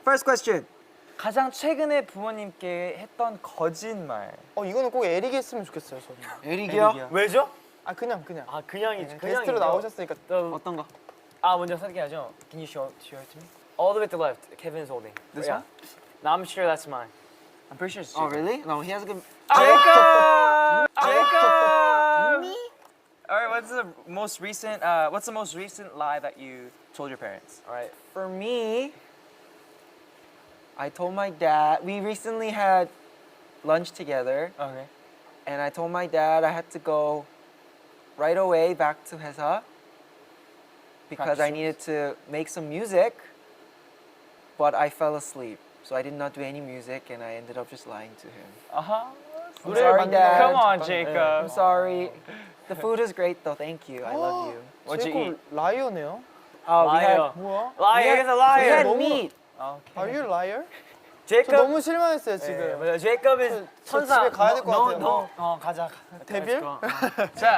First question. 가장 최근에 부모님께 했던 거짓말. 이거는 꼭 에릭이 했으면 좋겠어요, 저는. 에릭이요? 왜죠? 그냥. 아 그냥이지. 게스트로 나오셨으니까. 어떤 거? 먼저 선택하죠. Can you show it to me? All the way to the left. Kevin's holding. This Yeah. one? No, I'm sure that's mine. I'm pretty sure it's Oh, Jacob. really? No, he has a good. Jacob! Jacob! Me? All right, what's the most recent lie that you told your parents? All right. For me, I told my dad. We recently had lunch together, Okay. and I told my dad I had to go right away back to 회사 because I needed to make some music, but I fell asleep. So I did not do any music, and I ended up just lying to him. I'm sorry, Dad. Come on, Jacob. I'm sorry. The food is great, though. Thank you. I love you. What'd you 제이콥 라이어네요. We had, Liar. 뭐야? Liar. He's a we liar. had 너무- meat. Are you liar? 저 Jacob. 너무 실망했어요, 지금. 맞아. Jacob is 저 천사. 집에 가야 될 것 같아요. 가자. 데빌? 자,